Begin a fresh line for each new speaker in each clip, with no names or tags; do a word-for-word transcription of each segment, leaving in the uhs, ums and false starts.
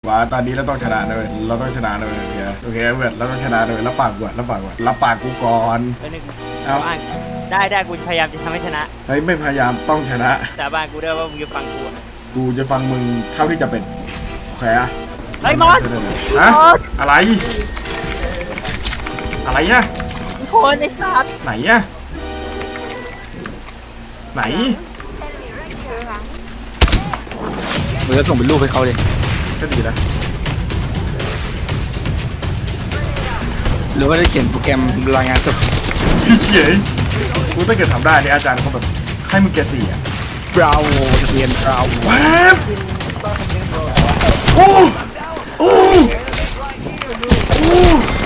ว่าตอนนี้เราต้องชนะเลยเราต้องชนะเลยโอเคโอเคเพื่อนเราต้องชนะเลยรับปากก่อนรับปากก่อนรับปากกูก่อน
เอาได้ได้กูพยายามจะทำให้ชนะ
เฮ้ยไม่พยายามต้องชนะ
สาบานกูด้วยว่ามึงจะฟังกู
กูจะฟังมึงเท่าที่จะเป็นโอเคอะ
เฮ้ยมอส
ฮะอะไรอะไรเนี่ย
โคนไอ้สัตว์
ไหนอะไหน
มึงจะส่งเป็นรูปให้เขาเลย
ก็ดีนะ
หรือว่าได้เขียนโปรแกรมรายงานสด
พี่เฉยกูถ้าเกิดทำได้เนี่ยอาจารย์เขาแบบให้มึงแกสี่อะ
บราวเรียนบราว
ว้าวโอ้โอ้โอ้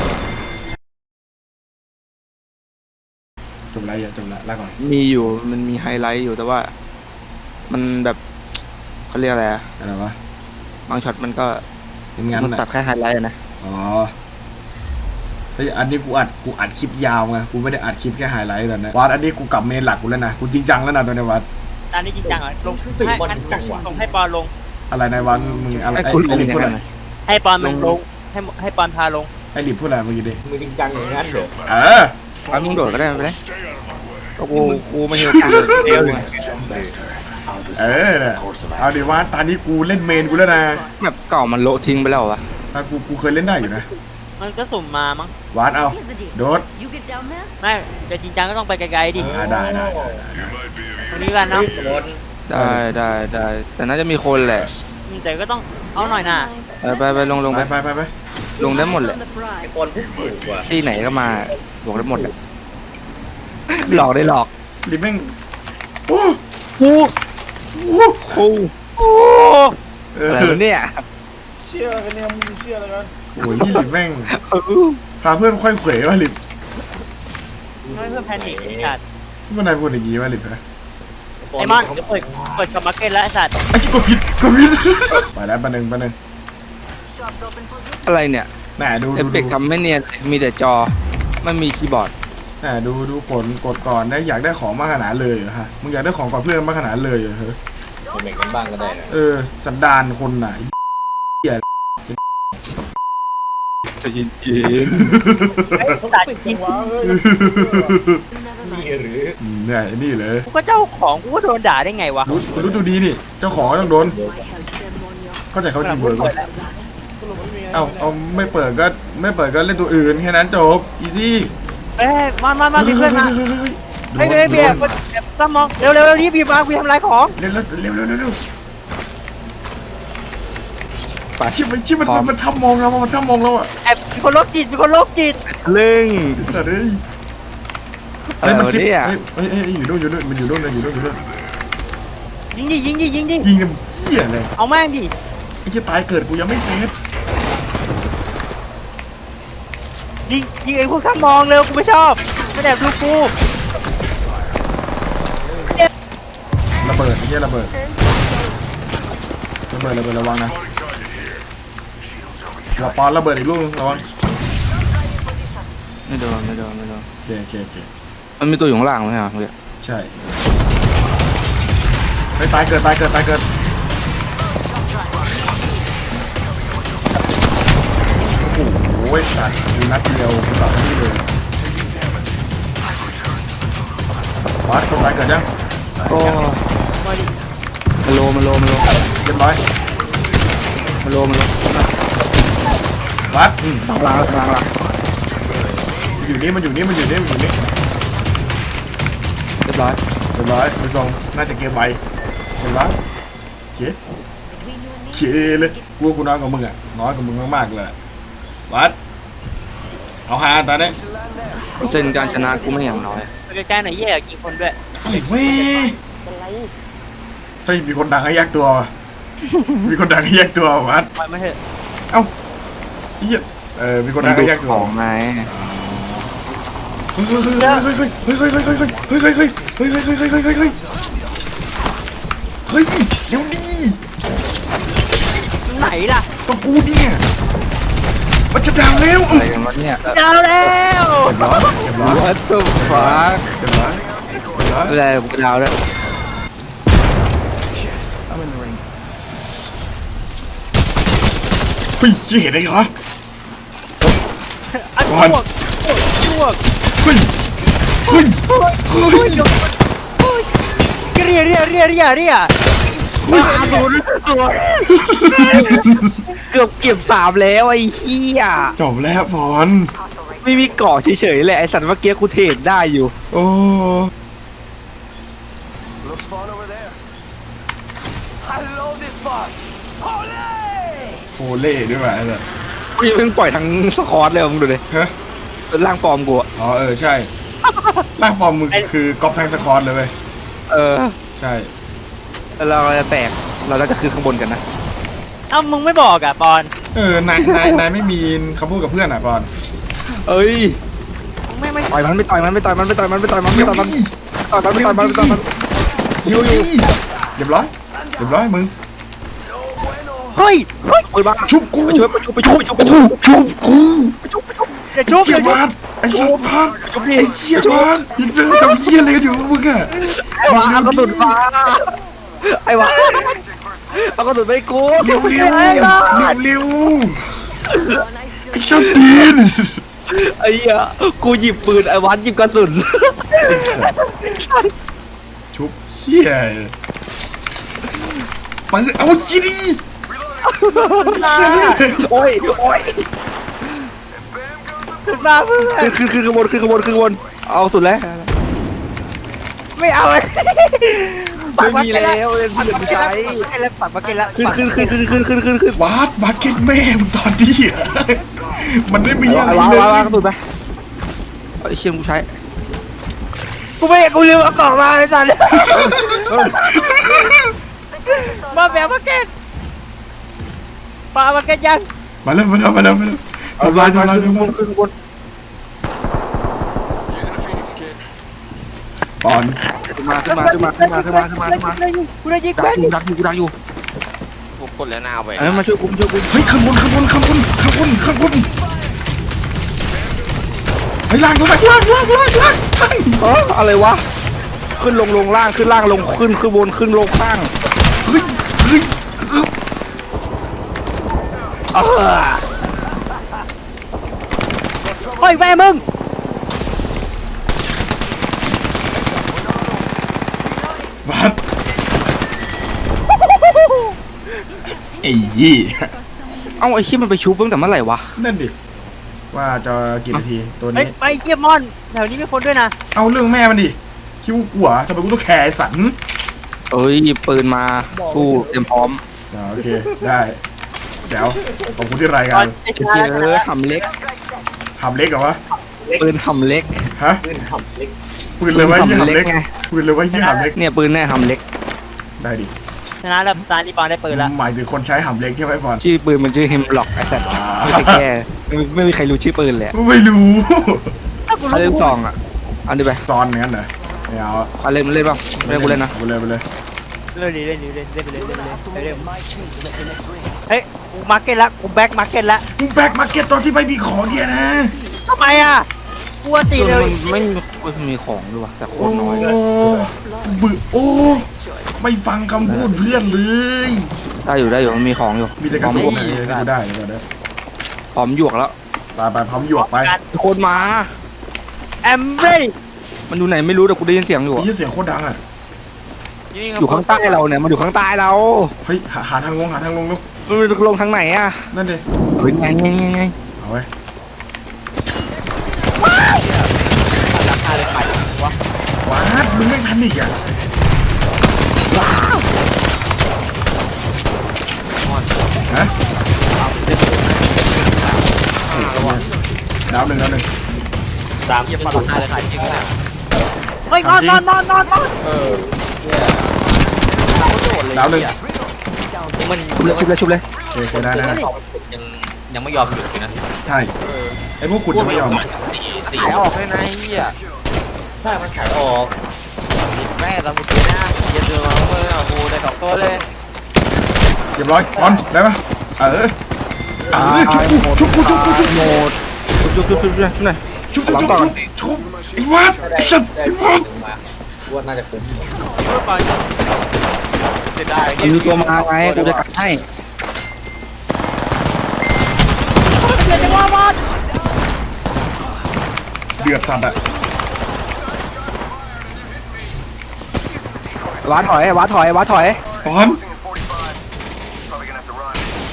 จบไรอะจบละลาก่อน
มีอยู่มันมีไฮไลท์อยู่แต่ว่ามันแบบเขาเรียกอะไรอะ
อะไรวะ
บางช็อตมันก็
มัน
ตัดแค่ไฮไลท์นะ
อ๋อเฮ้ยอันนี้กูอัดกูอัดคลิปยาวไงกูไม่ได้อัดคลิปแค่ไฮไลท์แบบนี้วัดอันนี้กูกลับเมนหลักกูแล้วนะกูจริงจังแล้วนะตัวนี้วัด
ตอนนี้จริงจังเหรอลงให้อันส่งให้ปอนลง
อะไรในวันมึงอะไรไอ้ลิบพูดอะไร
ให้ปอนมันลงให้ให้ปอนพาลง
ไอ้ลิบพูดอะไรเมื่อกี้ดิ
มึงจริงจังอย่างนั้นเหรอ
เออ
เอามึงโดดก็ได้ไม่ได้กูกูไม่เห็นกูเอว
เออเนี่ยเอาดิว่าตอนนี้กูเล่นเมนกูแล้วนะ
แบบเก่ามันโละทิ้งไปแล้ววะ
กูกูเคยเล่นได้อยู่นะ
มันก็สุ่มมามั้ง
วานเอาโดด
ไม่แต่จริงจังก็ต้องไปไกลๆดิ
ได้ได้
ตรงนี้กันเนาะ
ได้ได้ได้แต่น่าจะมีคนแหละ
แต่ก็ต้องเอาหน่อยน่ะ
ไปไปลงลง
ไปไปไปไป
ลงได้หมดแหละ
คนผู้ถูกว่ะ
ที่ไหนก็มาบอกได้หมดหลอกได้หลอก
ลิบแม่งโอ้
โอ้โอ้
โอ้
อะไรเนี่ย
เชื่อกันเนี่ยมึงเชื่ออะไรกัน
โอ้ยลิบแม่งพาเพื่อนค่อยเขวว่ะลิบ
ไม่เพื่อแพนิคจัด
เมื่อนายพูดอย่างงี้ว่ะลิบฮะ
ไอ้มอนจะเปิดเปิดกับมาร์เก็ตแล้วไอ้สัตว์
ไอ้จิ๊กกผิดกผิดไปแล้วปะหนึ่งปะหนึ่ง
อะไรเนี่ย
แหมดู
เอฟเฟกต์ทำไม่เนียนมีแต่จอไม่มีคีย์บอร์ด
แหมดูดูกดกดก่อนได้อยากได้ของมากขนาดเลยเหรอฮะมึงอยากได้ของก่อนเพื่อนมากขนาดเลยเหรอเฮ้ย
เด็กกันบ้างก็ได้นะ
เออสันดานคนไหน
จะยินยิน
ตัดจริง
นี่หรือ
เนี่ยนี่เลย
กูก็เจ้าของกูก็โดนด่าได้ไงวะ
รู้รู้ดูดีนี่เจ้าของต้องโดนเข้าใจเขาทีเบิร์กเอ้าเอาไม่เปิดก็ไม่เปิดก็เล่นตัวอื่นแค่นั้นจบอีซี่
เอ้ยมามามาพี่เพื่อนมาเฮ้ยเฮ้ยเบียร์ต้องมองเร็วเร็วเร็วนี่พี่มาพี่ทำลายของ
เร็วเร็วเร็วเร็วเร็วป่าชิบมันชิบมันมันทำมองเรามันทำมองเราอ่ะ
แอบมีคนโรคจิตมีคนโรคจิต
เรื่อง
สัตว์เอ้ยเฮ้ยมันซิปเฮ้ยเฮ้ยอยู่นู่นอยู่นู่นมันอยู่นู่นอยู่นู่นอยู่นู่น
ยิงดิยิงดิยิงดิ
ยิงเนี่ยเหี้ยเลย
เอาแม่งดิ
ไอ้เหี้ยตายเกิดกูยังไม่เซฟ
ยิงยิงไอ้พวกทำมองเร็วกูไม่ชอบไม่แอบดูกู
ระเบิดไอ้เหี้ยระเบิดระเบิดระเบิดระวังนะเราปอนระเบิดอีกลูกระวัง
ไม่โดนไม่โดนไม่โดน
โอเคโอเคโอเค
มันมีตัวอยู่ข้างล่างไหมครับเพื่อน
ใช่ไม่ตายเกิดตายเกิดตายเกิดโอ้โหสัตว์ดูนัดเดียวกูตัดที่เลยวัดคนตายเกิดยัง
โอ้มาโลมาโลมาโล
เรียบร้อย
มาโลมาโล
วัด
ตางหลังตางหลัง
อยู่นี่มันอยู่นี่มันอยู่นี่มันอยู่นี่
เรียบร้อย
เรียบร้อยไปส่งน่าจะเกมไวเห็นปะเจ๊เจ๊เลยกูกูน้อยกว่ามึงอ่ะน้อยกว่ามึงมากๆเลยวัดเอาหาตอนนี้
เส้นการชนะกูไม่อย่างน้อย
ใกล้ๆหน่อยแย่กี่คนด้วย
อะไรเว้ยเฮ้ยมีคนดังให้แยกตัวมีคนดังให้แยกตัววัด
ปล่อยมาเถอะ
เอ้าเฮียเออมีคนดังให้แยกตัว
ของไง
เฮ้ยเฮ้ยเฮ้ยเฮ้ยเฮ้ยเฮ้ยเฮ้ยเฮ้ยเฮ้ยเฮ้ยเฮ้ยเฮ้ยเฮ้ยเฮ้ยเฮ้ยเฮ้ยเฮ้ยเฮ้ยเร็วดี
ไหนล่ะ
ตัวกูเนี่ยมันจะดาวแล้ว
อะไรกันวะเนี่ย
ดาวแล้ว
เรียบร้อยเรียบร้อย
What the fuck
เรียบร้อยเรียบร้อย
อะไรกูดาวแล้ว
เฮ้ยเหี้ยเห็นได้เหรอ
อัน
ก่
พ
อน
วกพวก
เฮ้ยเฮ้ยเฮ้ย
เรียเรียเรียเรียเรีย
เกือบเก็บสามแล้วไอ้เหี้ย
จบแล้วบอล
ไม่มีเกาะเฉยๆเลยไอ้สัตว์เมื่อกี้กูเทรดได้อยู่
โอ้
Looks fun over there. I love this part. Ole!
โคเล่ด้วยว่ะไอ้สัส
กูยังเพิ่งปล่อยทั้งสคอตเลยมึงดูดิ
ฮะ
เป็นร่างปลอมกูอะ
อ๋อเออใช่ร่างปลอมมึงคือก๊อปทั้งสคอร์เลยเว้ย
เออ
ใช่
แล้วเราจะแตกเราจะขึ้นข้างบนกันนะ
เอ้ามึงไม่บอกอ่ะปอน
เออนายนายนายไม่มีคำพูดกับเพื่อนอ่ะบอล
เอ้ย
มึงไม่ไม่
ต่อยมันไม่ต่อยมันไม่ต่อยมันไม่ต่อยมันไม่ต่อยมันไม่
เดี๋ยว
ต่อยมัน
ดิ
ต่อยมันไม่ต่อยมันไม่ต่อยมัน
เดี๋ยวดิเรียบร้อยเรียบร้อยมึง
เฮ้ยเฮ้ย
ปืนบ้า
ชุบกู
ไปช่วยไปช่วยไปช่วยไปช่วยไปช่วย
ชุบกู
อย่า
ไอ้
ชุบอ
เหี้ย
ย่าชุบ
บาสไอ้เหี้ยบาส
ชุบดิ
ไอ้เหี้ยบาสยิงเรื่องทำเหี้ยอะไรกันอยู่มึงอะ
ไอ้วะเอากระสุนมาไอ้วะเอากระสุนไปกู
เร็วเร็วเร็วเร็วไอ้ชอบตีน
ไอ้เหี้ยกูหยิบปืนไอ้วัดหยิบกระสุน
ชุบเหี้ยไปเอาจีดี
โอ้ยโอ้ย
ขึ้นมาเพื่อน
ขึ้นขึ้นขึ้นขบวนขึ้นขบวนขึ้นขบวนเอาสุดแล้ว
ไม่เอาเลย
ไม่มีแล้วเล่น
ปั
เพื่
ก
อน
มา
ผู้
เก็ต
ชาย
แล้วปักมาเก็ตแล้ว
ขึ้นขึ้นขึ้นขึ้นขึ้นขึ้นขึ้นขึ้น
วาดมาเก็ตแม่มึงตอนนี้อะมันไม่มีอะไร
วาง
เล
วางวาง
ย
กระสุนไปไอ้เชี่ยผู้ชาย
กูไม่กูลืมเอากล่องมาเลยตอนนี้มาแบบมาเก็ตปามาเก็ตยัง
มาแล้วมาแล้วมาแล้วมาแล้วทำลายทำลาย
ขึ้น
ทำ
ขบ
ลา
วย นขึ้นขบวน
Using a Phoenix kit.
ปอน
ขึ้นมาขึ้นมาขึ้นมาขึ้นมาขึ้นมาขึ้นมาขึ้นมา
กูได้ยิง
ดั
แม่
ก
น
อยู่ดักอยู่กูดักอยู่
พวกคนแล้วหน้าไป
เออมาช่วยกูมาช่วยกู
เฮ้ยข้างบนข้างบนข้างบนข้างบนข้างบนเฮ้ยล่างลงไปล่างล่างล่างล่างล่าง
เอออะไรวะขึ้นลงลงล่างขึ้นล่างลงขึ้นขึ้นบนขึ้นลงข้าง
เฮ้ยเฮ้ยเออ
เออ
เฮ้ยแม่มึง
วัดไอ้ยี่
เอ้าไอ้ขี้ยมันไปชุบตั้งแต่เมื่อไหร่วะ
นั่นดิว่าจะกี่นาทีตัว
เฮ้ย
นี้
ไปเกียมอนแถวนี้มีคนด้วยนะ
เอาเรื่องแม่มันดิคิดว่ากูเหรอทำไมกูต้องแคร์ไอ้สัน
เอ้ยหยิบปืนมาสู้เตรียมพร้อม
อ่าโอเคได้เดี๋ยวขอบคุณที่ราย
ต
กา
อ
ร
นไอ้
เจ
ชา
อหำเล็ก
ทำเล็กเหรอวะ
ปืนหำเล็ก
ฮะ
ขึ้นทำเล็ก
ปืนเลยว่ายี่
ปืน
หำ
ทำเล็
เล็
ก
ก
ไง
ปืนเลยว่ายี่หำเล็ก
เนี่ยปืนแน่หำเล็ก
ได้ดิ
ชนะแล้วตาลีปอนได้ปืนแล้ว
หมายถึงคนใช้หำเล็กใช่ไหมบอล
ชื่อปืนมันชื่อเฮมบล็อกไอ้สัตว์
อ่า
ไม่ใช่แค่ไม่ไม่มีใครรู้ชื่อปืนเลยอะ
ไม่รู้
ถ้ากู
เอาเล่
รู้
นซองอ่ะเอาดิไป
ซอนงั้นเหรอไม่เอา
เอาเล่นเล่นบ้างเล่นกูเล่นนะ
ไปเลยไปเลย
เล่นดิเล่นดิเล่นเล่นไปเลยเล่นไปเลยเล่นเฮ้ยกูมาร์เก็ตละกูแบ็คมาร์เก็ตละ
มึงแบกมาเก็ตตอนที่ไม่มีของเนี่ยนะ
ทำไมอ่ะกูว่าตีเร็ว
มันไม่ไม่มีของด้วยว่ะแต่โค
โอ้
ตรน้อยเลย
บึโอ้ไม่ฟังคำพูดเพื่อนเลย
ได้อยู่ได้อยู่มันมีของอยู่
มีแต่กระสุนนะที่กูได้เดี๋ยวเดี๋ยว
พร้อมหยวกแล้ว
ไปไปพร้อมหยวกไป
มีคนมา
แอมเบ้ย
มันอยู่ไหนไม่รู้แต่กูได้ยินเสียงอยู่
มี
อะ
ยี่เสียงโคตรดังอ่ะ
อยู่ข้างใต้เราเนี่ยมันอยู่ข้างใต้เรา
เฮ้ยหาหาทางลงหาทางลงลูก
มันลงทางไหนอ่ะ
นั่นดิ
เฮ้ยไงไงไงไง
เอาไว้ว้าดมึงไม่ทันอีกอ่ะฮะดาวหนึ่งดาวหนึ่ง
สามยี่สิบสอง
เฮ้ยนอนนอนนอนนอนนอน
เออเนี่ย
ดาวหนึ่ง
มัน
ชุบเลยชุบเลยชุบเลย
โอเคโอเคได้ได้ได้
ยังยังไม่ยอมหยุดเลยนะ
ใช่ไอ้พวกขุดยังไม่ยอม
ขายออกเลยนะเฮีย
ใช่มันขายออก
แม่เราเมื่อกี้นะเย็นเดือดมาเมื่อโอ้โหได้สองตัวเลย
เรียบร้อยบอลได้ปะเออเออชุบกูชุบกูชุบกูชุบ
โหมดชุบชุบชุบชุบชุบชุบหน่อย
ชุบชุบชุบชุบชุบไอ้วัด
ได้
ไอ้สัตว์
ได้
ไอ้
ขอ
วั
ง
ด
มาว่าน่าจะคุ้ม
จะได้
มันมีตัวมาไงกูจะกัดให้
เดือดสัตว์อะ
ว้าถอยว้าถอยว้าถอย
ปอน
Probably gonna have to run.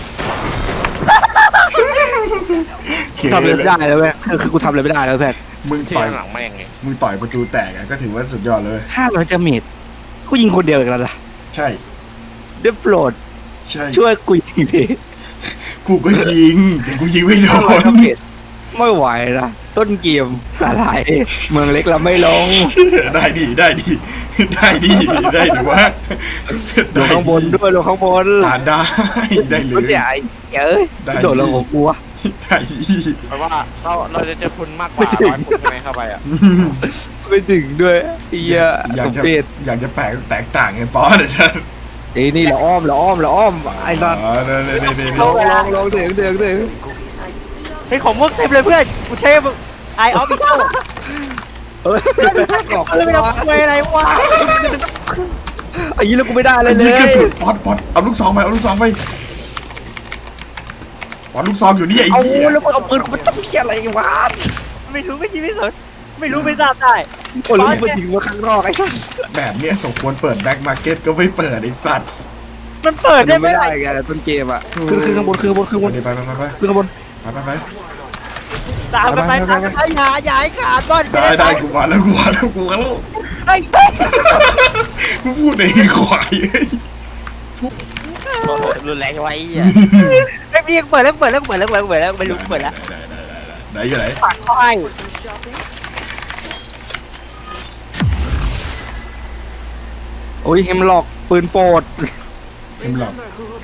เค
ทำอะไรไม่ได้เลยเว้ยคือคือกูทำอะไรไม่ได้แล้วเพื่อน
มึง
ที่
ต่อย
หลังแม่งไง
มึงต่อยประตูแตกอะก็ถือว่าสุดยอดเลย
ห้าร้อยจะเมตรกูยิงคนเดียวอีกแล้วล่ะ
ใช่
ได้โปรด
ใช่
ช่วยกูยิงที
กูก็ยิงแต่กูยิงไม่โด
ห้าร้อย
น
จะเมตรไม่ไหวนะต้นเกมอะไรเมืองเล็กเราไม่ลง
ได้ดีได้ดีได้ดีได้ดีวะ
ลงข้างบนด้วยลงข้างบน
อ่าได้ได้เล
รถ
ย
ใหญ่เอ้ย
ได้
โดดลงของกูวะ
ได้ดี
เพราะว่าเราเราจะเจอคุณมากกว่าร้อยคุณใช่ไหมเข้าไปอ่ะ
ไม่ถึงด้วยไอ้เหี้ย
อยาก
สม
จะ
เพช
อยากจะแปลกแตกต่างไงปอนเนี่ยนะ
ไอ้นี่เราอ้อมเราอ้อมเราอ้อมไอ้สัตว์
อ๋อเนี่ยเนี่ยเนี่ยเนี่ย
ลงลงลงถึงถึงถึง
เฮ้ยของมุกเต็มเลยเพื่อนกูใช้ไอออฟอีกแล้ว
เฮ้ยบอก
เรื่องไม่ต้องคุยอะไรวะ
ไอ้ยี่แล้วกูไม่ได้เลยเล
ยิง
ย
กระสุนปอนปอนเอาลูกซองไปเอาลูกซองไปปอนลูกซองอยู่นี่ไอ้
เอา
เหี้ย
แล้วมึงเอาปืนกูไปต้องเพี้ยอะไรวะ
ไม่รู้ไม่คิดไม่สนไม่รู้ไม่ทราบได้
โอ้ยมันยิงมาข้างนอกไอ้สัตว์
แบบเนี้ยสมควรเปิดแบ็คมาร์เก็ตก็ไม่เปิดไอ้สัตว์
มันเปิดได้
มัน
ไหม
ไม่ได้ไงต้นเกมอ่ะคือคือข้างบนคือข้างบนคือข้างบน
ไปไปไปไป
คือข้างบน
ไปไปไป
ตามกันไปตามกันไปอย่าอย่าให้ขาดบ้าน
ได้ได้กูมาแล้วกูมาแล้วกูมาแล้ว
ไอ้
กูพูดเองควายเอ้ย
รุนแรงไว้อ่ะ
ไอ้พี่เปิดแล้วเปิดแล้วเปิดแล้วเปิดแล้วเปิดแล้วไม่รู้เปิดแล้ว
ได้ได้ได้ได้ได้อยู่ไหน
ปากเขาให้
โอ้ยเฮมล็อกปืนโปรด
เอ็มหลอก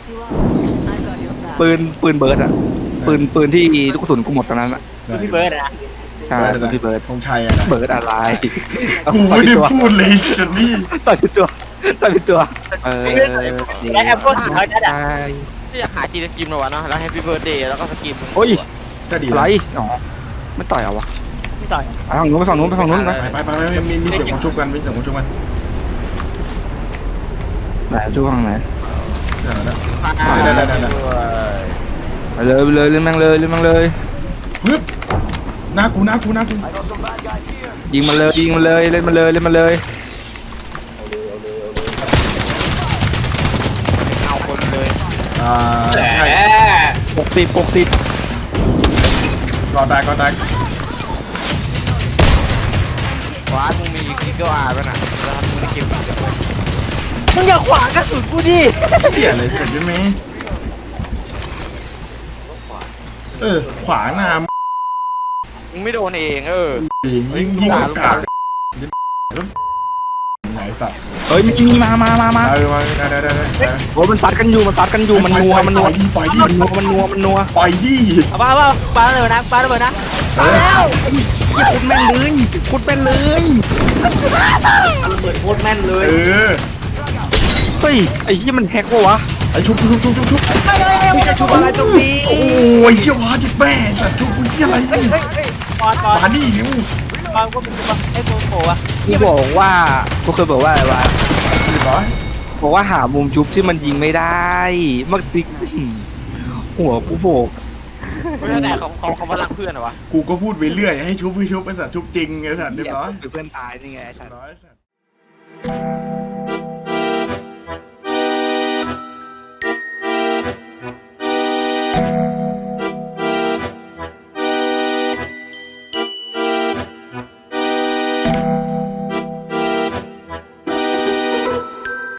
ปืนปืนเบิร์ดอ่ะปืนปืนที่ลูกกระสุนกูหมดตอนนั้นอ่ะ
ได้
พี่เบิร์ดนะ
ใช่ปืนพี่เบิร์ด
ธงชัยอะนะ
เบิร์ดอะไร
กูไม่ได้พูดเลยจันนี่
ต่อยเป็นตัวต่อยเป็นตัวเออ
และแอปเปิ้ลเขาจะด่า
ที่อยากหาจีนสกิมมาวะเนาะแล้วแฮปปี้เบิร์ดเดย์แล้วก็สกิม
โอ้ย
ก็ดี
อะไรอ๋อไม่ต่อยเอาวะ
ไม่ต่อย
ไปฝั่งนู้นไปฝั่งนู้นไปฝั่งนู้นไป
ไปไปไปไปมีมีเสียงของชุบกันมีเสียงของชุบกัน
ไหนช่วงไหน
ได้ได้ได้ได้
ไปเลยไปเลยเล่นแม่งเลยเล่นแม่งเลย
ฮึบหน้ากูหน้ากูหน้ากู
I got some bad guys here.
ยิงมันเลยยิงมันเลยเล่นมันเลยเล่นมันเลย
เอาคนเลย
อ่าใช่
หกสิบหกสิบ
ก่อแตกก่อแตก
ว้ามึงมีกิ๊กเกอร์อาร์ป่ะน่ะแล้วมึงในเกม
มึงอย่าขวางกระสุนกูดิ
เสียเลยเสร็จใช่ไหมเออขวาหน้า
มึงไม่โดนเองเออ
ยิงยิงกากไหนสัตว์
เฮ้ยมีมีมามามามา
เออมาได้ได้ได้ได้
โอ้ยมันซัดกันอยู่มันซัดกันอยู่มันนัวมันนัว
ปล่อยดิ
มันนัวมันนัวมันนัว
ปล่อยดิ
เอาปาเอาปาเลยนะปาเลยนะปาแล้ว
อย่าคุดแม่นเลยคุดแม่นเลย
เออ
เฮ้ยไอ้ที่มันแฮกวะวะ
ไอชุบชุบชุบชุบชุบ
มึงจะชุบอะไรตรงนี้
โอ้ยเชี่ยววาดิแม่สัตว์ชุบมึงเชี่ยอะไร
เฮ้ยเฮ้ยเฮ้ยปอนปอน
ปาดินิ้ว
ปอนก็เป็นตัวไอ้โมโหอะ
กูบอกว่ากูเคยบอกว่าอะไรวะ
เรียบร้อย
บอกว่าหามุมชุบที่มันยิงไม่ได้มักติ๊กหัวกูโบก
ไม่ใช่แต่เขาเขาเขาพลังเพื่อนเหรอวะ
กูก็พูดไปเรื่อยให้ชุบให้ชุบไปสัตว์ชุบจริงไงสัตว์เรียบร้อย
เพื่อนตายนี่ไงไอ้สั
เรี
ต
ยบ
ว์
ร้อยสัตว์